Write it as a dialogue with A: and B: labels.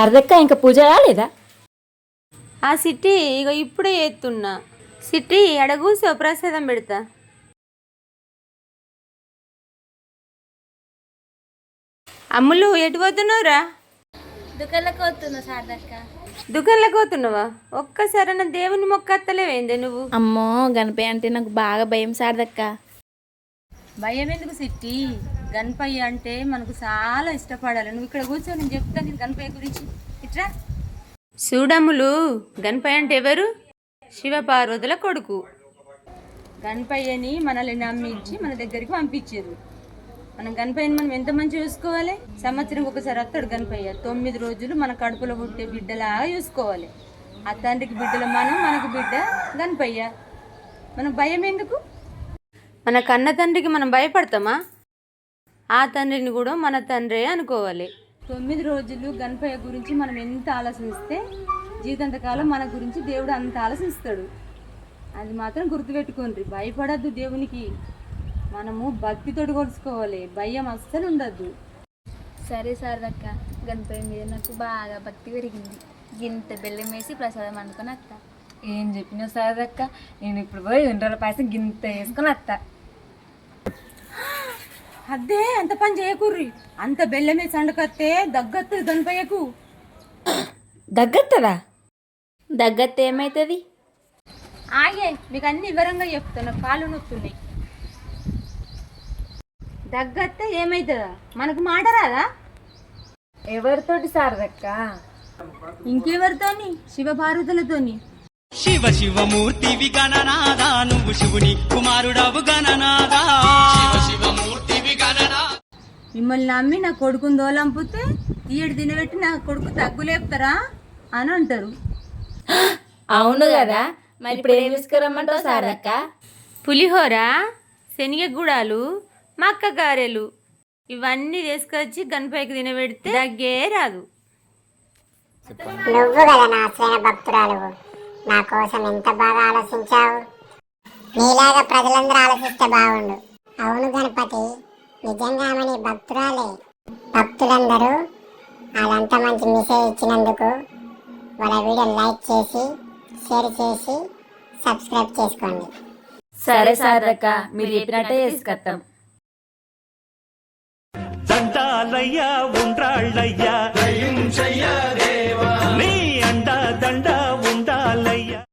A: శారదక్క ఇంకా పూజ కాలేదా?
B: ఆ సిట్టి ఇక ఇప్పుడే ఎత్తున్నా. సిట్టి అడగూసో ప్రసాదం పెడతా. అమ్ములు ఎటు పోతున్నావురా?
C: దుకాణంలోకి పోతున్నా శారదక్క.
B: దుకాణంలోకి పోతున్నావా? ఒక్కసారన్నా దేవుని మొక్కత్తలేవేందే నువ్వు?
C: అమ్మో గణపయ్య అంటే నాకు బాగా భయం శారదక్క.
B: భయం ఎందుకు సిట్టి? గణపయ్య అంటే మనకు చాలా ఇష్టపడాలి. నువ్వు ఇక్కడ కూర్చో, నేను చెప్తాను నేను గణపయ్య గురించి. ఇట్రా చూడమ్ములు, గణపయ్య అంటే ఎవరు? శివపార్వతుల కొడుకు. గణపయ్యని మనల్ని నమ్మించి మన దగ్గరికి పంపించారు. మనం గణపయ్యని మనం ఎంత మంచిగా చూసుకోవాలి. సంవత్సరం ఒకసారి వస్తాడు గణపయ్య. 9 రోజులు మన కడుపులో పుట్టే బిడ్డలాగా చూసుకోవాలి. ఆ తండ్రికి బిడ్డలు మనం, మనకు బిడ్డ గణపయ్య. మనకు భయం ఎందుకు? మన కన్న తండ్రికి మనం భయపడతామా? ఆ తండ్రిని కూడా మన తండ్రే అనుకోవాలి. 9 రోజులు గణపయ్య గురించి మనం ఎంత ఆలోచిస్తే జీవితాంతకాలం మన గురించి దేవుడు అంత ఆలోచిస్తాడు. అది మాత్రం గుర్తుపెట్టుకోండి. భయపడద్దు దేవునికి. మనము భక్తితోటి కొలుసుకోవాలి. భయం అస్సలు ఉండద్దు.
C: సరే శారదక్క, గణపయ్య మీద నాకు బాగా భక్తి పెరిగింది. ఇంత బెల్లం వేసి ప్రసాదం అనుకుని అత్త.
A: ఏం చెప్పినావు శారదక్క? నేను ఇప్పుడు పోయి 2 రోజుల పాయసం గింత వేసుకొని వస్తా.
B: అదే అంత పని చేయకూర్రి. అంత బెల్లమే సండకత్తే దగ్గత్తది గణపయ్యకు.
A: దగ్గత్తదా?
C: దగ్గత్తే ఏమవుతుంది?
B: ఆగే మీకు అన్ని వివరంగా చెప్తున్నా. కాళ్ళు నొప్పున్నాయి. దగ్గత్తే ఏమవుతుందా? మనకు మాట రాదా?
A: ఎవరితోటి శారదక్క?
B: ఇంకెవరితోని? శివపార్వతులతోని.
D: శివ శివమూర్తివి గణనాదా, నువ్వు శివుని కుమారుడవు గణనాదా. శివమూర్తివి గణనా.
B: మిమ్మల్ని నమ్మి నా కొడుకుని దోలంపితే ఈడు తినబెట్టి నా కొడుకు తగ్గులేపుతారా అని అంటారు.
A: అవును కదా, మరి ఇప్పుడు ఏం తీసుకురమ్మంటావు శారదక్క?
B: పులిహోర, శనగగూడాలు, మక్క గారెలు ఇవన్నీ తీసుకొచ్చి గణపయ్యకి తినబెడితే దగ్గే రాదు.
E: నువ్వు కదా నా అసలైన భక్తురాలు. నా కోసం ఎంత బాగా ఆలోచించావు. నీలాగా ప్రజలందరూ ఆలోచిస్తే బాగుండు. అవును గణపతి, నిజంగా ఆమె నీ భక్తురాలే. భక్తులందరూ వాళ్ళంతా మంచి మెసేజ్ ఇచ్చినందుకు వాళ్ళ వీడియో లైక్ చేసి, షేర్ చేసి, సబ్స్క్రైబ్ చేసుకోండి.
A: సరే శారదక్క, మీరు చెప్పినట్టే చేసుకొస్తాం.
D: దండాలయ్యా ఉండ్రాళ్ళయ్యా